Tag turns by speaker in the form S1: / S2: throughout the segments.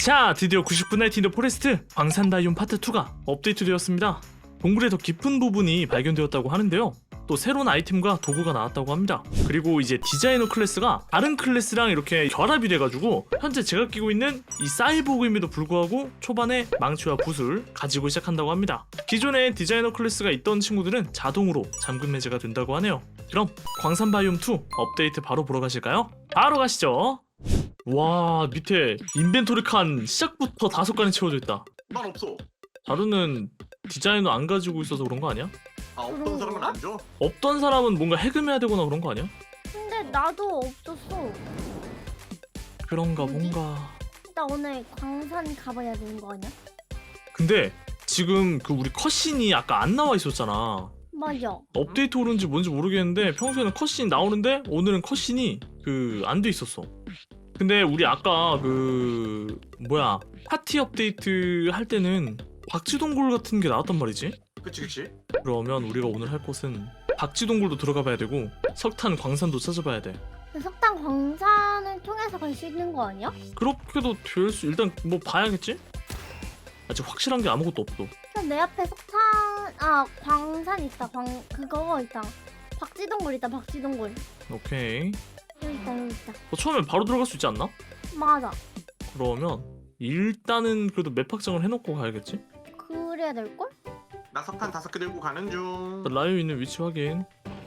S1: 자, 드디어 99 나이트 인 더 포레스트 광산 바이옴 파트 2가 업데이트 되었습니다. 동굴의 더 깊은 부분이 발견되었다고 하는데요. 또 새로운 아이템과 도구가 나왔다고 합니다. 그리고 이제 디자이너 클래스가 다른 클래스랑 이렇게 결합이 돼가지고 현재 제가 끼고 있는 이 사이보그임에도 불구하고 초반에 망치와 붓을 가지고 시작한다고 합니다. 기존에 디자이너 클래스가 있던 친구들은 자동으로 잠금 해제가 된다고 하네요. 그럼 광산 바이옴 2 업데이트 바로 보러 가실까요? 바로 가시죠. 와, 밑에 인벤토리 칸 시작부터 5칸이 채워져 있다.
S2: 난 없어.
S1: 자루는 디자이너 안 가지고 있어서 그런 거 아니야?
S2: 아, 없던 사람은 안 줘?
S1: 없던 사람은 뭔가 해금해야 되거나 그런 거 아니야?
S3: 근데 나도 없었어.
S1: 그런가 뭔가.
S3: 나 오늘 광산 가봐야 되는 거 아니야?
S1: 근데 지금 그 우리 컷신이 아까 안 나와 있었잖아.
S3: 맞아.
S1: 업데이트 오는지 뭔지 모르겠는데 평소에는 컷신이 나오는데 오늘은 컷신이 그 안 돼 있었어. 근데 우리 아까 그 뭐야 파티 업데이트 할 때는 박쥐동굴 같은 게 나왔단 말이지?
S2: 그치.
S1: 그러면 우리가 오늘 할 곳은 박쥐동굴도 들어가 봐야 되고 석탄 광산도 찾아봐야 돼.
S3: 근데 석탄 광산을 통해서 갈 수 있는 거 아니야?
S1: 그렇게도 될 수 일단 뭐 봐야겠지? 아직 확실한 게 아무것도 없어.
S3: 그럼 내 앞에 석탄 광산 있다. 그거 있다. 박쥐동굴 있다. 박쥐동굴.
S1: 오케이.
S3: 여기 있다.
S1: 처음엔 바로 들어갈 수 있지 않나?
S3: 맞아.
S1: 그러면 일단은 그래도 맵 확장을 해놓고 가야겠지?
S3: 그래야 될 걸?
S2: 나 석탄 5개 들고 가는 중.
S1: 라이오 있는 위치 확인.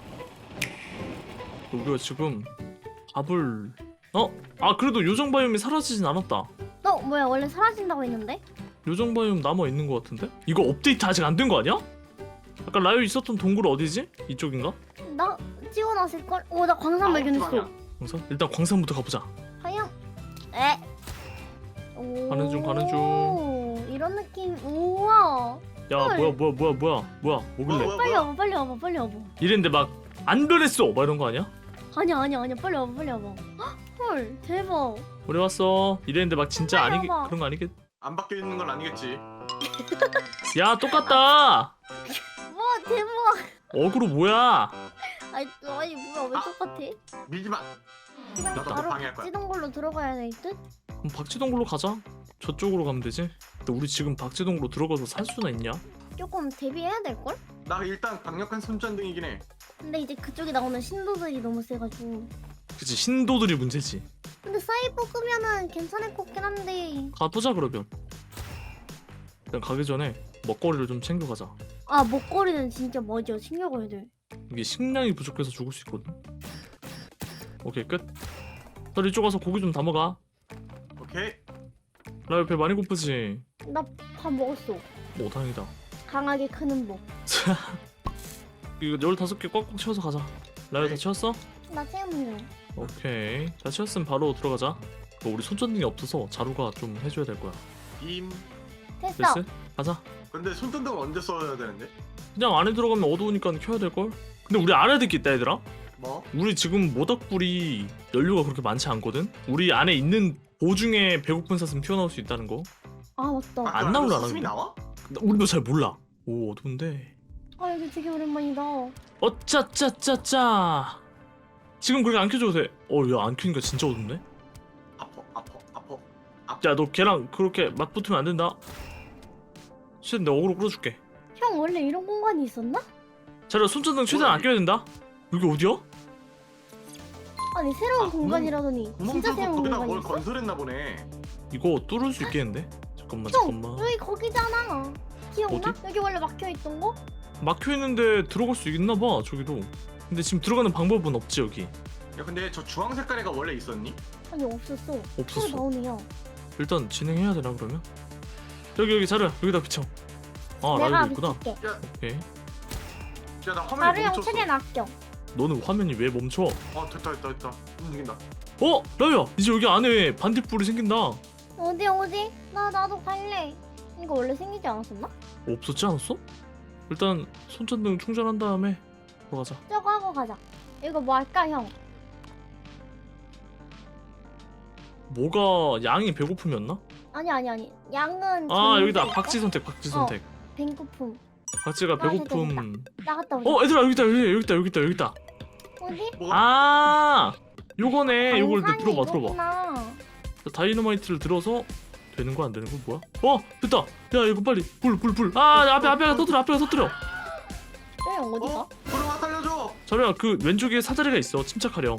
S1: 우리가 지금 밥을 그래도 요정 바이옴이 사라지진 않았다.
S3: 뭐야 원래 사라진다고 했는데?
S1: 요정 바이옴 남아 있는 것 같은데? 이거 업데이트 아직 안 된 거 아니야? 아까 라이오 있었던 동굴 어디지? 이쪽인가?
S3: 나 찍어놨을 걸? 나 광산 발견했어.
S1: 광산? 일단 광산부터 가보자.
S3: 하영.
S1: 가는 중.
S3: 이런 느낌. 우와.
S1: 야
S3: 헐.
S1: 뭐야 뭐길래?
S3: 빨리 와봐.
S1: 이랬는데 막 안 변했어 막 이런 거 아니야?
S3: 아니야. 빨리 와봐. 헐, 대박.
S1: 우리 왔어. 이랬는데 막 진짜
S3: 빨리
S1: 아니게
S3: 와봐.
S1: 그런 거 아니겠?
S2: 안 바뀌어 있는 건 아니겠지.
S1: 야 똑같다.
S3: 와, 대박.
S1: 어그로 뭐야?
S3: 아니 뭐야, 왜 똑같아?
S2: 밀지 마.
S3: 그냥
S2: 나도
S3: 바로
S2: 방해할 거야.
S3: 찌던 걸로 들어가야 될 듯?
S1: 그럼 박쥐동굴로 가자. 저쪽으로 가면 되지. 근데 우리 지금 박쥐동굴로 들어가서 살 수나 있냐?
S3: 조금 대비해야 될 걸?
S2: 나 일단 강력한 손전등이긴 해.
S3: 근데 이제 그쪽에 나오는 신도들이 너무 세가지고.
S1: 그치 신도들이 문제지.
S3: 근데 사이버 끄면은 괜찮을 것 같긴 한데.
S1: 가보자 그러면. 일단 가기 전에 먹거리를 좀 챙겨가자.
S3: 먹거리는 진짜 뭐죠? 챙겨가야 돼.
S1: 이게 식량이 부족해서 죽을 수 있거든. 오케이 끝. 너 이쪽 와서 고기 좀 담아가.
S2: 오케이.
S1: 나 옆에 많이 고프지?
S3: 나 밥 먹었어.
S1: 오 다행이다.
S3: 강하게 크는 법.
S1: 이거 15개 꽉꽉 채워서 가자. 라이오 다 채웠어?
S3: 나 채우면.
S1: 오케이. 다 채웠으면 바로 들어가자. 우리 손전등이 없어서 자루가 좀 해줘야 될 거야.
S2: 빔.
S3: 됐어.
S1: 됐어? 가자.
S2: 근데 손전등은 언제 써야 되는데?
S1: 그냥 안에 들어가면 어두우니까 켜야 될걸? 근데 우리 알아야 될 게 있다 얘들아.
S2: 뭐?
S1: 우리 지금 모닥불이 연료가 그렇게 많지 않거든? 우리 안에 있는 보중에 배고픈 사슴 튀어나올 수 있다는 거.
S3: 맞다.
S1: 안 나올라나,
S2: 사슴이
S1: 근데?
S2: 나와?
S1: 우리도 잘 몰라. 오 어두운데.
S3: 이거 되게 오랜만이다.
S1: 어짜짜짜짜. 지금 그렇게 안 켜줘도 돼. 야 안 켜니까 진짜 어둡네.
S2: 아파.
S1: 야 너 걔랑 그렇게 맞붙으면 안 된다. 쉿 내가 어그로 끌어줄게.
S3: 형 원래 이런 공간이 있었나?
S1: 자료 손전등 최대한 안 껴야 된다. 여기 어디야?
S3: 아니 새로운
S2: 구멍-
S3: 공간이라더니
S2: 구멍
S3: 진짜
S2: 뚫고
S3: 새로운
S2: 거기다
S3: 공간이
S2: 뭘
S3: 있어?
S2: 건설했나 보네.
S1: 이거 뚫을 수 있겠는데? 잠깐만.
S3: 여기 거기잖아. 기억나?
S1: 어디?
S3: 여기 원래 막혀있던 거?
S1: 막혀있는데 들어갈 수 있나봐 저기도. 근데 지금 들어가는 방법은 없지 여기.
S2: 야, 근데 저 주황 색깔 애가 원래 있었니?
S3: 아니 없었어.
S1: 없었어.
S3: 새로 나오네요.
S1: 일단 진행해야 되나 그러면? 여기 자르 여기다 비춰.
S3: 내가
S1: 라이브 있구나.
S3: 비칠게.
S1: 오케이.
S2: 야, 나 화면이
S3: 자루 형
S2: 멈췄어.
S3: 최대한 아껴.
S1: 너는 화면이 왜 멈춰?
S2: 됐다. 움직인다.
S1: 라이야 이제 여기 안에 반딧불이 생긴다.
S3: 어디? 나도 갈래. 이거 원래 생기지 않았었나?
S1: 없었지 않았어? 일단 손전등 충전한 다음에 들어가자.
S3: 저거 하고 가자. 이거 뭐 할까 형?
S1: 뭐가 양이 배고픔이었나?
S3: 아니. 양은
S1: 여기다
S3: 정해져
S1: 박쥐
S3: 있어?
S1: 선택.
S3: 배고픔.
S1: 박쥐가 배고픔.
S3: 나갔다 오자.
S1: 얘들아 여기 있다.
S3: 어디?
S2: 뭐가?
S1: 요거네. 요걸 들어봐.
S3: 이거구나.
S1: 다이너마이트를 들어서 되는 거 안 되는 거 뭐야? 됐다. 야 이거 빨리 불. 아 앞에 터뜨려.
S3: 형 어디가?
S2: 부르마 살려줘.
S1: 자루야 그 왼쪽에 사다리가 있어. 침착하렴.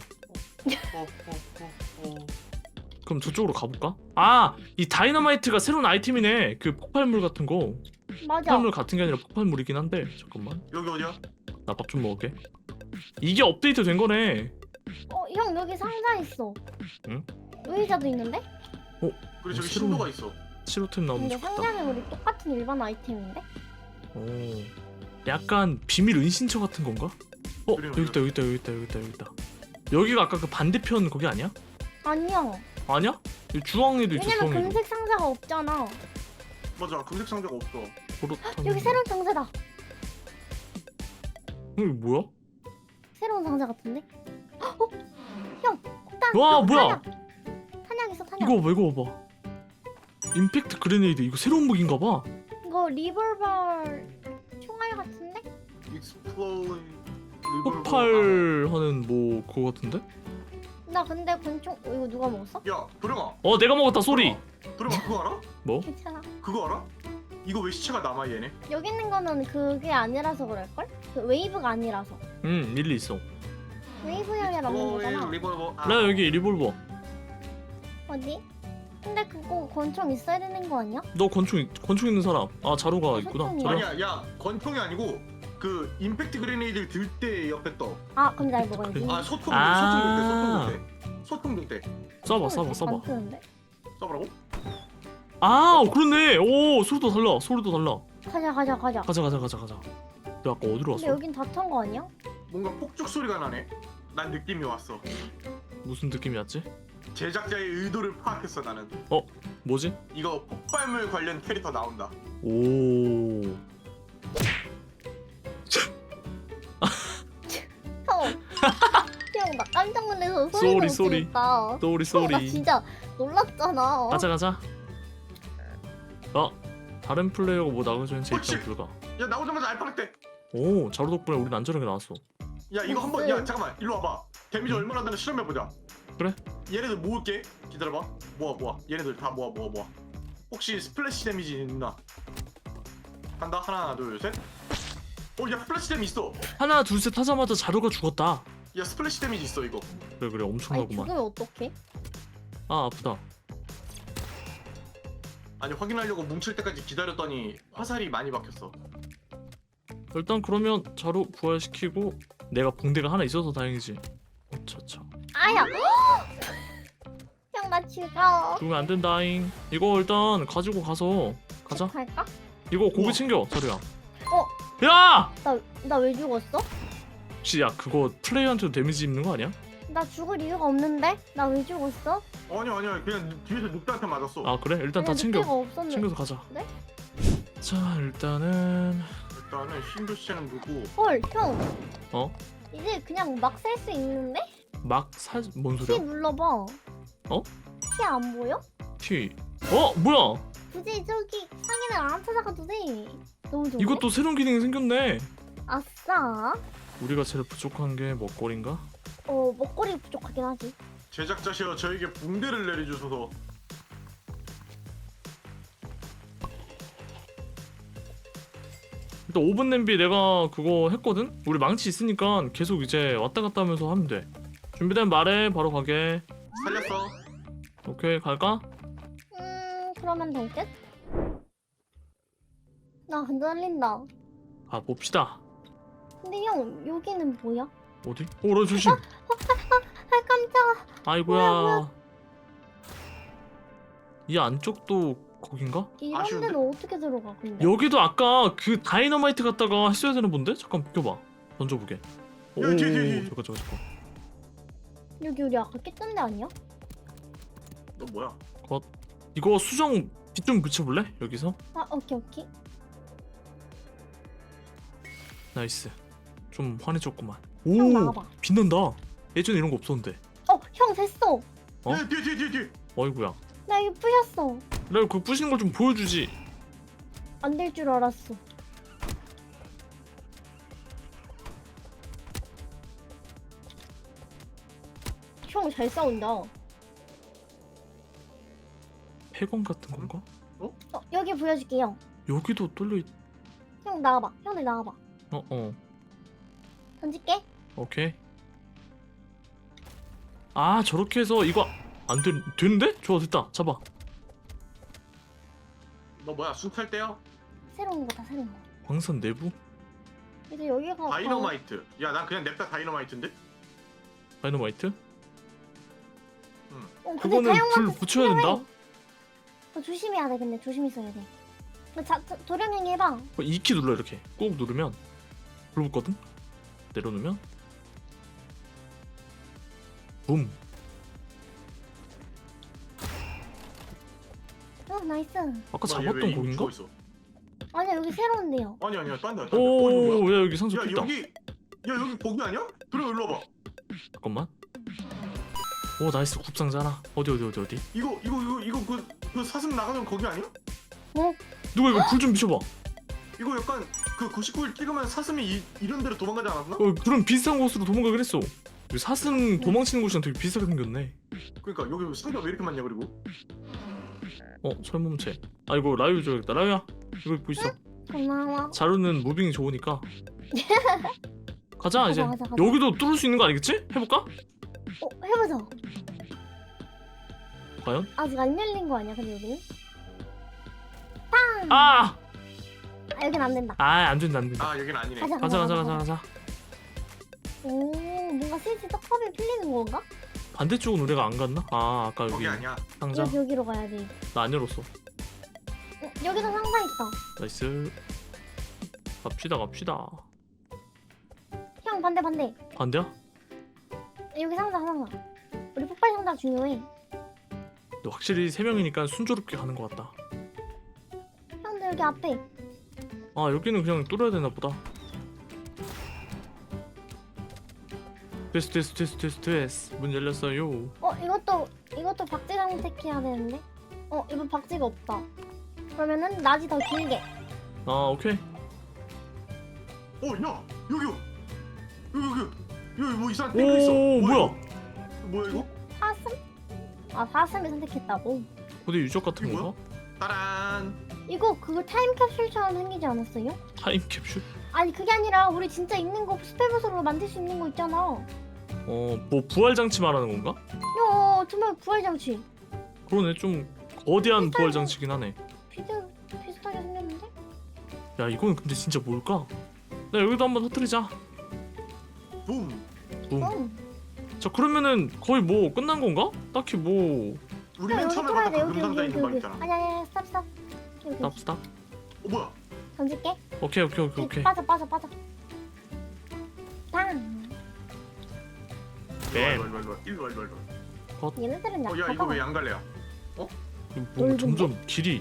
S2: 어.
S1: 그럼 저쪽으로 가볼까? 아 이 다이너마이트가 새로운 아이템이네. 그 폭발물 같은 거.
S3: 맞아.
S1: 폭발물 같은 게 아니라 폭발물이긴 한데 잠깐만.
S2: 여기 어디야?
S1: 나 밥 좀 먹을게. 이게 업데이트 된 거네.
S3: 형 여기 상자 있어.
S1: 응?
S3: 의자도 있는데?
S2: 그리고 저기
S1: 새로운-
S2: 신도가 있어.
S1: 치료템 나오면
S3: 근데
S1: 좋겠다.
S3: 상자는 우리 똑같은 일반 아이템인데?
S1: 오. 약간 비밀 은신처 같은 건가?
S2: 그래요,
S1: 여기 있다. 여기가 아까 그 반대편 거기 아니야?
S3: 아니야.
S1: 아니야? 여기 주황에도 있어.
S3: 왜냐면
S1: 주황에도.
S3: 금색 상자가 없잖아.
S2: 맞아. 금색 상자가 없어.
S1: 그렇다면
S3: 여기 새로운 상자다.
S1: 이거 뭐야?
S3: 새로운 상자 같은데? 어? 형! 일단
S1: 와,
S3: 형,
S1: 뭐야?
S3: 탄약 있어 탄약.
S1: 이거 봐봐. 임팩트 그레네이드 이거 새로운 무기인가 봐.
S3: 이거 리볼버 총알 같은데?
S2: 익스플로드.
S1: 폭발하는 뭐 그거 같은데?
S3: 나 근데 권총 이거 누가 먹었어?
S2: 야, 부르마.
S1: 내가 먹었다 소리.
S2: 부르마 그거 알아?
S1: 뭐?
S3: 괜찮아.
S2: 그거 알아? 이거 왜 시체가 남아 얘네?
S3: 여기 있는 거는 그게 아니라서 그럴걸? 그 웨이브가 아니라서.
S1: 일리 있어.
S3: 웨이브형이 남는 거잖아.
S2: 리볼버.
S1: 나 여기 리볼버.
S3: 어디? 근데 그거 권총 있어야 되는 거 아니야?
S1: 너 권총 있는 사람. 자루가 있구나.
S3: 권총이야.
S1: 자루.
S2: 아니야, 야 권총이 아니고 그 임팩트 그레네이드를 들 때 옆에 떠.
S3: 아 그럼 날 먹어야지.
S2: 아 소통
S1: 아.
S2: 소통 들 때.
S1: 써봐.
S3: 안 뜨는데?
S2: 써보라고?
S1: 그렇네. 오 소리도 달라.
S3: 가자.
S1: 가자. 너 아까 어디로
S3: 근데
S1: 왔어?
S3: 여긴 다 탄 거 아니야?
S2: 뭔가 폭죽 소리가 나네. 난 느낌이 왔어.
S1: 무슨 느낌이 왔지?
S2: 제작자의 의도를 파악했어 나는.
S1: 뭐지?
S2: 이거 폭발물 관련 캐릭터 나온다.
S1: 오.
S3: 형 나 깜짝 놀라서 소리가
S1: 쏘리.
S3: 웃기겠다. 나
S1: 쏘리.
S3: 진짜 놀랐잖아.
S1: 가자. 다른 플레이어가 뭐 나가주는 제
S2: 그렇지.
S1: 입장 불가.
S2: 야 나오자마자 알파렉.
S1: 오 자루 덕분에 우린 안전하게 나왔어.
S2: 야 이거 한번 야 잠깐만 일로 와봐. 데미지 얼마나 나는 실험해 보자.
S1: 그래?
S2: 얘네들 모을게. 기다려봐. 모아. 얘네들 다 모아. 혹시 스플래시 데미지 있나? 간다. 하나 둘 셋. 야 스플래시 데미지 있어.
S1: 하나 둘 셋 하자마자 자루가 죽었다.
S2: 야 스플래시 데미지 있어 이거.
S1: 그래
S3: 아니
S1: 엄청나구만.
S3: 죽으면 어떡해?
S1: 아프다.
S2: 아니 확인하려고 뭉칠 때까지 기다렸더니 화살이 많이 박혔어.
S1: 일단 그러면 자루 부활시키고 내가 붕대가 하나 있어서 다행이지. 어차차.
S3: 아야! 형 나 죽어.
S1: 죽으면 안 된다잉. 이거 일단 가지고 가서 가자.
S3: 갈까?
S1: 이거 고기
S2: 우와.
S1: 챙겨 자루야.
S2: 어?
S1: 야!
S3: 나 왜 죽었어?
S1: 혹시 야 그거 플레이어한테도 데미지 입는 거 아니야?
S3: 나 죽을 이유가 없는데? 나 왜 죽었어?
S2: 아니야 그냥 뒤에서 늑대한테 맞았어.
S1: 아 그래? 일단 다
S3: 아니,
S1: 챙겨.
S3: 늑대가 없었는데.
S1: 챙겨서 가자.
S3: 네?
S1: 자 일단은
S2: 일단은 신규 시체는 누구?
S3: 헐, 형.
S1: 어?
S3: 이제 그냥 막 셀 수 있는데?
S1: 뭔
S3: T
S1: 소리야?
S3: 눌러봐.
S1: 어?
S3: T 안 보여?
S1: T. 뭐야?
S3: 굳이 저기 상인을 안 찾아가도 돼. 너무 좋은데?
S1: 이것도 새로운 기능이 생겼네.
S3: 아싸.
S1: 우리가 제일 부족한 게 먹거리인가?
S3: 먹거리 부족하긴 하지.
S2: 제작자시여 저에게 붕대를 내려주소서.
S1: 일단 오븐 냄비 내가 그거 했거든? 우리 망치 있으니까 계속 이제 왔다 갔다 하면서 하면 돼. 준비된 말해 바로 가게.
S2: 살렸어.
S1: 오케이 갈까?
S3: 그러면 될 듯? 나 흔들린다.
S1: 봅시다.
S3: 근데 형, 여기는 뭐야?
S1: 어디? 나 조심.
S3: 아, 깜짝아.
S1: 아이고야. 이 안쪽도 거긴가?
S3: 이런
S2: 아쉬운데?
S3: 데는 어떻게 들어가, 근데?
S1: 여기도 아까 그 다이너마이트 갖다가 했어야 되는 본데? 잠깐 비켜봐. 던져보게.
S2: 뒤에.
S1: 잠깐.
S3: 여기 우리 아까 깼던 데 아니야?
S2: 너 뭐야?
S1: 이거 수정 빛 좀 붙여볼래? 여기서?
S3: 아, 오케이.
S1: 나이스. 좀 환해졌구만.
S3: 형 나가봐.
S1: 빛난다. 예전에 이런 거 없었는데.
S3: 형 됐어.
S1: 어?
S2: 뒤에.
S1: 어이구야.
S3: 나 이거 부셨어.
S1: 내가 그 부시는 걸 좀 보여주지.
S3: 안 될 줄 알았어. 형 잘 싸운다.
S1: 폐광 같은 건가?
S3: 여기 보여줄게요.
S1: 여기도 뚫려 있...
S3: 형 나와봐. 형들 나와봐. 던질게.
S1: 오케이. 아 저렇게 해서 이거 안 되는데? 좋아 됐다. 잡아.
S2: 너 뭐야 순탈 때요?
S3: 새로운 거다 새로운 거.
S1: 광산 내부?
S3: 이제 여기가
S2: 다이너마이트. 야 난 그냥 냅다 다이너마이트인데?
S1: 다이너마이트?
S3: 근데
S1: 그거는 불
S3: 다이너마이트
S1: 붙여야 된다?
S3: 조심해야 돼. 근데 조심히 써야 돼. 도령행위 해봐.
S1: 2키 눌러 이렇게 꾹 누르면 불 붙거든? 내려놓으면 붐.
S3: 나이스.
S1: 아까
S2: 뭐야, 얘
S1: 잡았던
S2: 왜 이미
S1: 곡인가?
S2: 죽어있어?
S3: 아니야 여기 새로운데요.
S2: 아니야 딴 데야.
S1: 오, 야 여기 상자
S2: 야
S1: 있다.
S2: 여기 여기 거기 아니야? 들어 일로 와봐.
S1: 잠깐만. 오 나이스 굽상자라. 어디
S2: 이거 그 사슴 나가는 거기 아니야?
S1: 누가 이거 불 좀 비춰봐.
S2: 이거 약간 그 99일 찍으면 사슴이 이런 데로 도망가지 않았나?
S1: 그런 비슷한 곳으로 도망가긴 했어. 여기 사슴 도망치는 곳이랑 되게 비슷하게 생겼네.
S2: 그러니까 여기 상자가 왜 이렇게 많냐 그리고.
S1: 철몸체. 아 이거 라유 줘야겠다. 라유야 이거 입고 있어.
S3: 고마워.
S1: 자루는 무빙이 좋으니까. 가자 이제.
S3: 가자.
S1: 여기도 뚫을 수 있는 거 아니겠지? 해볼까?
S3: 해보자.
S1: 과연?
S3: 아직 안 열린 거 아니야? 근데 여기는?
S1: 아!
S3: 여긴 안 된다.
S1: 안 된다.
S2: 아 여긴 아니네.
S1: 가자.
S3: 오 뭔가 슬슬 떡밥이 풀리는 건가?
S1: 반대쪽은 우리가 안 갔나? 아 아까 여기
S2: 거기 아니야.
S1: 상자.
S3: 여기로 가야 돼.
S1: 나 안 열었어.
S3: 여기서 상자 있다.
S1: 나이스. 갑시다.
S3: 형 반대.
S1: 반대야?
S3: 여기 상자. 우리 폭발 상자 중요해.
S1: 근데 확실히 3명이니까 순조롭게 가는 것 같다.
S3: 형들 여기 앞에.
S1: 아 여기는 그냥 뚫어야 되나 보다. 됐어. 문 열렸어요.
S3: 이것도 박쥐 선택해야 되는데. 이거 박쥐가 없다. 그러면은 낮이 더 길게.
S1: 아 오케이.
S2: 야 여기 뭐 이상한 탱크 있어.
S1: 오 뭐야?
S2: 뭐야 이거?
S3: 사슴? 사슴이 선택했다고.
S1: 어디 유적 같은
S2: 이거
S1: 건가?
S2: 따란.
S3: 이거 그거 타임캡슐처럼 생기지 않았어요?
S1: 타임캡슐?
S3: 아니 그게 아니라 우리 진짜 있는 거 스펠보석으로 만들 수 있는 거 있잖아.
S1: 뭐 부활장치 말하는 건가?
S3: 정말 부활장치.
S1: 그러네 좀 거대한 부활장치긴 하네.
S3: 비슷하게 생겼는데?
S1: 야 이거는 근데 진짜 뭘까? 나 여기도 한번 터뜨리자.
S2: 붐.
S1: 붐. 자 그러면은 거의 뭐 끝난 건가? 딱히 뭐
S2: 우리 맨 처음에
S3: 뚫어야 돼.
S2: 봤던 그 금상자 있는 방 있잖아.
S3: 아니야 스탑. 여기.
S1: 스탑.
S2: 뭐야?
S3: 던질게.
S1: 오케이.
S3: 빠져. 땅.
S1: 뱀.
S2: 일로 와.
S3: 얘네들은
S2: 야 이거
S3: 약하다.
S2: 왜 양갈래야?
S1: 뭔가 점점 길이.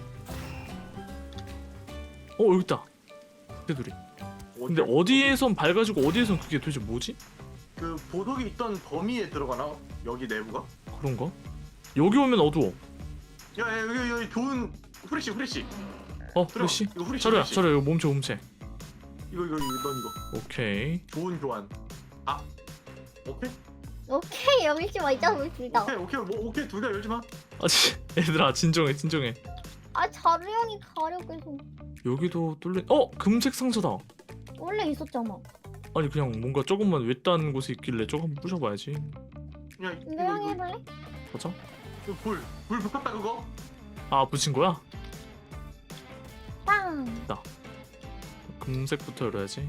S1: 여기 있다. 걔들이. 근데 어디에선 밝아지고 어디에선 그게 도대체 뭐지?
S2: 그 보석이 있던 범위에 들어가나? 여기 내부가?
S1: 그런가? 여기 오면 어두워.
S2: 야 여기 좋은 후레쉬.
S1: 후레쉬?
S2: 이거 후레쉬.
S1: 자루야 이거 몸체.
S2: 이거 넌 이거.
S1: 오케이.
S2: 좋은 교환. 오케이?
S3: 오케이 열지 마 있잖아 우리 둘 다.
S2: 오케이 둘 다 열지 마.
S1: 얘들아 진정해.
S3: 자루 형이 가려고 해서.
S1: 여기도 뚫린. 금색 상자다.
S3: 원래 있었잖아.
S1: 아니 그냥 뭔가 조금만 외딴 곳에 있길래 조금 한번 부셔봐야지.
S2: 야
S3: 이거 형이 해볼래?
S1: 맞아?
S2: 불 붙었다 그거?
S1: 아 붙인 거야?
S3: 빵.
S1: 금색부터 열어야지.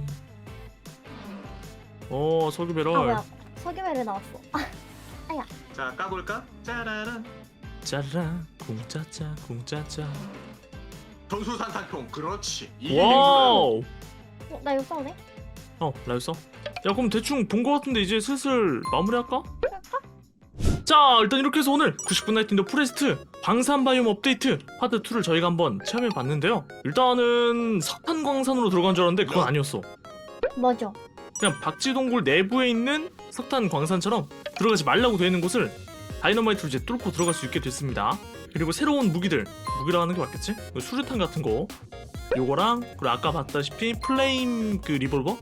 S1: 석유
S3: 아
S1: 배럴.
S3: 뭐야? 석유배를 나왔어.
S2: 자 까볼까? 짜라란.
S1: 짜라란 궁짜짜.
S2: 전수산탄총 그렇지. 이게
S1: 와우.
S3: 나 이거 써도 돼?
S1: 라유 써? 야 그럼 대충 본 거 같은데 이제 슬슬 마무리할까? 자 일단 이렇게 해서 오늘 90분 나이트 인더 포레스트 광산바이옴 업데이트 파트 2를 저희가 한번 체험해봤는데요. 일단은 석탄 광산으로 들어간 줄 알았는데 그건 아니었어.
S3: 맞아.
S1: 그냥 박쥐동굴 내부에 있는 석탄 광산처럼 들어가지 말라고 되어 있는 곳을 다이너마이트로 이제 뚫고 들어갈 수 있게 됐습니다. 그리고 새로운 무기라고 하는 게 맞겠지? 수류탄 같은 거 요거랑 그리고 아까 봤다시피 플레임 그 리볼버?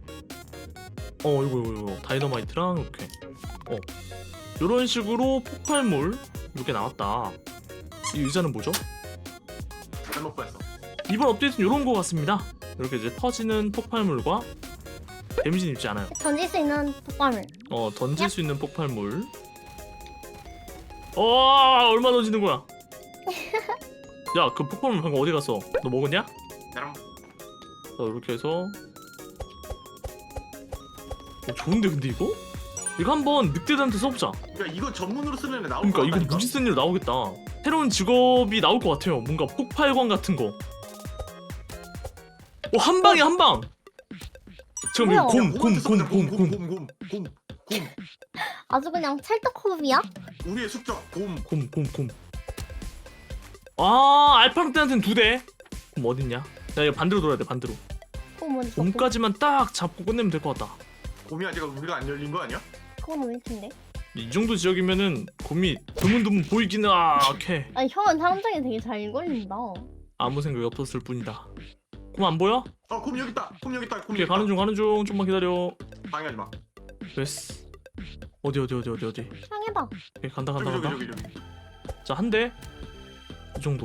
S1: 이거 다이너마이트랑 이렇게 요런 식으로 폭발물 이렇게 나왔다. 이 의자는 뭐죠?
S2: 잘못 봤어.
S1: 이번 업데이트는 이런 거 같습니다. 이렇게 이제 터지는 폭발물과 데미지는 입지 않아요.
S3: 던질 수 있는 폭발물.
S1: 던질 수 있는 폭발물. 얼마 던지는 거야? 야, 그 폭발물 방금 어디 갔어? 너 먹었냐?
S2: 나랑
S1: 자, 이렇게 해서 좋은데 근데 이거? 이거 한번 늑대들한테 써보자.
S2: 야 이거 전문으로 쓰면 나올
S1: 그러니까
S2: 것
S1: 이거
S2: 같다니까.
S1: 무지 쓴 일로 나오겠다. 새로운 직업이 나올 것 같아요. 뭔가 폭발광 같은 거. 한 방에 한 방. 지금 이거
S3: 뭐야?
S2: 곰.
S3: 아주 그냥 찰떡호흡이야?
S2: 우리의 숙적 곰.
S1: 곰. 알파르트한테는 2대. 곰 어딨냐? 야, 이거 반대로 돌아야 돼, 반대로.
S3: 뭔지
S1: 곰까지만 딱 잡고 끝내면 될 것 같다.
S2: 곰이 아직 우리가 안 열린 거 아니야?
S3: 그건 왜 텐데?
S1: 이 정도 지역이면은 곰이 드문드문 보이기는 오케이.
S3: 아니 형은 탐정이 되게 잘 걸린다.
S1: 아무 생각이 없었을 뿐이다. 곰 안 보여?
S2: 곰 여기 있다. 곰 여기 있다. 곰
S1: 오케이,
S2: 여기 있다.
S1: 가는 중. 좀만 기다려.
S2: 방해하지 마.
S1: 됐어. 어디.
S3: 향해봐.
S1: 오케이, 간다.
S2: 저기.
S1: 자, 한 대. 이 정도.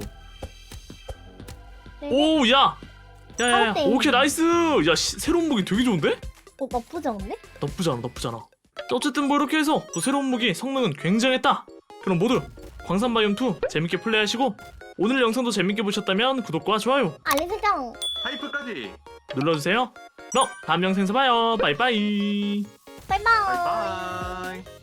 S3: 네.
S1: 오, 야.
S3: 한 대.
S1: 오케이, 나이스. 야, 새로운 무기 되게 좋은데?
S3: 나쁘지 않네?
S1: 나쁘지 않아. 어쨌든 뭐 이렇게 해서 또 새로운 무기 성능은 굉장했다. 그럼 모두 광산바이옴2 재밌게 플레이하시고 오늘 영상도 재밌게 보셨다면 구독과 좋아요
S3: 알림 설정.
S2: 하이프까지.
S1: 눌러주세요. 그럼 다음 영상에서 봐요. 바이바이.
S3: 바이바이.
S2: 바이바이.